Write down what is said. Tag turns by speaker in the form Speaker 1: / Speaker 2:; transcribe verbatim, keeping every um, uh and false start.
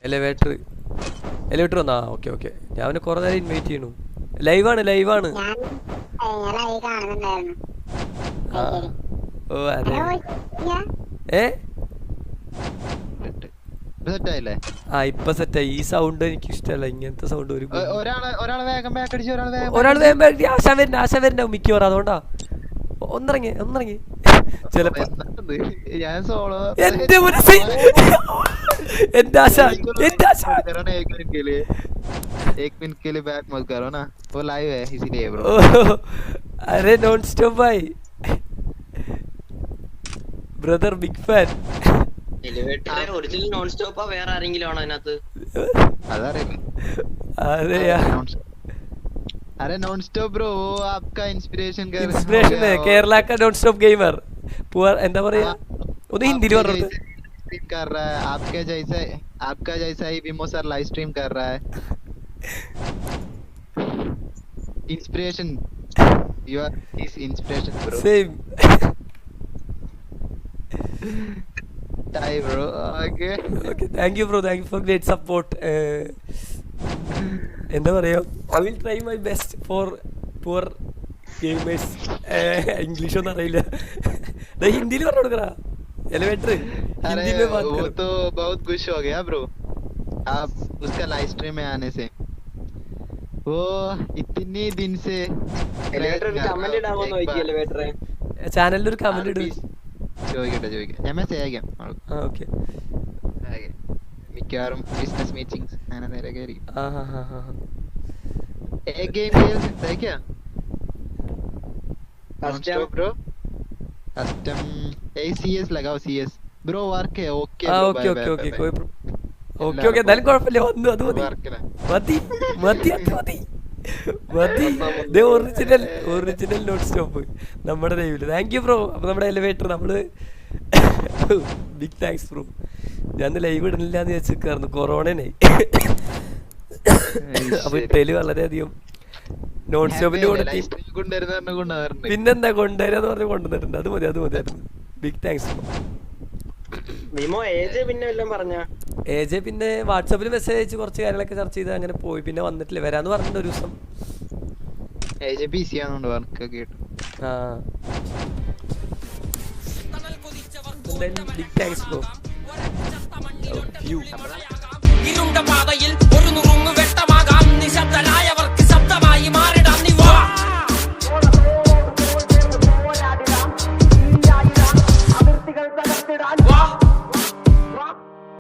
Speaker 1: elevator elevator വന്നാ okay okay ഞാൻ അവനെ കുറെ നേരം ഇൻവൈറ്റ് ചെയ്യണു ലൈവാണ് ലൈവാണ് ഓ അതെ ഏ ആ ഇപ്പൊ സെറ്റായി ഈ സൗണ്ട് എനിക്ക് ഇഷ്ടമല്ല ഇങ്ങനത്തെ സൗണ്ട് ഒരു ഒരാൾ വേഗം ആശ വരണ്ട ആശ വരണ്ട മിക്കവാറും അതുകൊണ്ടാ ഒന്നിറങ്ങി ഒന്നിറങ്ങി ചിലപ്പോ എന്റെ മനസ്സിൽ എന്റെ ആശ എന്റെ ആശ
Speaker 2: एक मिनट के लिए बैक मत करो ना वो लाइव है इसीलिए ब्रो
Speaker 1: अरे नॉन स्टॉप भाई brother big fan
Speaker 3: elevator original non stop ആ വേറെ ആരെങ്കിലും ആണോ അതിനകത്ത്
Speaker 1: अरे यार
Speaker 2: अरे नॉन स्टॉप ब्रो वो आपका इंस्पिरेशन कर
Speaker 1: इंस्पिरेशन है केरला का नॉन स्टॉप गेमर पूरा എന്താ പറയാ ഒന്ന് ഹിന്ദിയിൽ പറഞ്ഞു
Speaker 2: स्ट्रीम कर रहा है आपके जैसा आपका जैसा ही विमो सर लाइव स्ट्रीम कर रहा है inspiration you are his inspiration bro
Speaker 1: same
Speaker 2: time bro okay
Speaker 1: okay thank you bro thank you for great support എന്താ പറയാ I will try my best for poor gamers English ഒന്നും അറിയില്ല ഹിന്ദിയിൽ പറഞ്ഞു കൊടുക്കടാ एलिवेटर हिंदी में बात
Speaker 2: वो
Speaker 1: करो
Speaker 2: तो बहुत खुश हो गया ब्रो आप उसका लाइव स्ट्रीम में आने से वो इतने दिन से
Speaker 3: എലിവേറ്റർ ഒരു കമന്റ് ഇടാമോ നോക്കി എലിവേറ്ററെ
Speaker 1: ചാനലിൽ ഒരു കമന്റ് ഇടും
Speaker 2: ചോദിക്കട്ടെ ചോദിക്കട്ടെ ഞാൻ മെസ്സേജ് അയക്കാം
Speaker 1: ആ ഓക്കെ
Speaker 2: മിക്കവാറും ബിസിനസ് മീറ്റിംഗ്സ് അങ്ങനെ നേരൊക്കെ ആയിരിക്കും
Speaker 1: ആ ഹാ ഹാ ഹാ
Speaker 2: एक गेम खेल सकता है क्या
Speaker 3: कस्टम
Speaker 2: ब्रो कस्टम ए सीएस लगाओ सीएस ब्रो वर्क है ओके
Speaker 1: ആ ഓക്കെ ഓക്കെ ഓക്കെ कोई ഓക്കെ ഓക്കെ എന്തായാലും കുഴപ്പമില്ല വന്നു അത് മതി മതി മതി അത് മതി മതി ദേ ഒറിജിനൽ ഒറിജിനൽ നോട്ട് സ്റ്റോപ്പ് നമ്മുടെ ലൈവില് താങ്ക് യു ബ്രോ അപ്പൊ നമ്മുടെ എലിവേറ്റർ നമ്മള് ബിഗ് താങ്ക്സ് ബ്രോ ഞാൻ ലൈവ് ഇടുന്നില്ല എന്ന് വെച്ചിരിക്കായിരുന്നു കൊറോണനായി അപ്പൊ ഇട്ടേല് വളരെയധികം നോൺ സ്റ്റോപ്പിന്റെ കൂടെ പിന്നെന്താ കൊണ്ടുവരാന്ന് പറഞ്ഞ് കൊണ്ടുവന്നിട്ടുണ്ട് അത് മതി അത് മതിയായിരുന്നു ബിഗ് താങ്ക്സ്
Speaker 3: വിമോ ഏജ് പിന്നെ വല്ലതും പറഞ്ഞ
Speaker 1: എ ജെ പിന്നെ വാട്സാപ്പിൽ മെസ്സേജ് അയച്ച് കുറച്ച് കാര്യങ്ങളൊക്കെ ചർച്ച ചെയ്ത് അങ്ങനെ പോയി പിന്നെ വന്നിട്ടില്ല വരാന്ന് പറഞ്ഞിട്ട് ഒരു ദിവസം ആ ബിഗ് താങ്ക്സ് ബ്രോ
Speaker 4: ഇരുണ്ട പാതയിൽ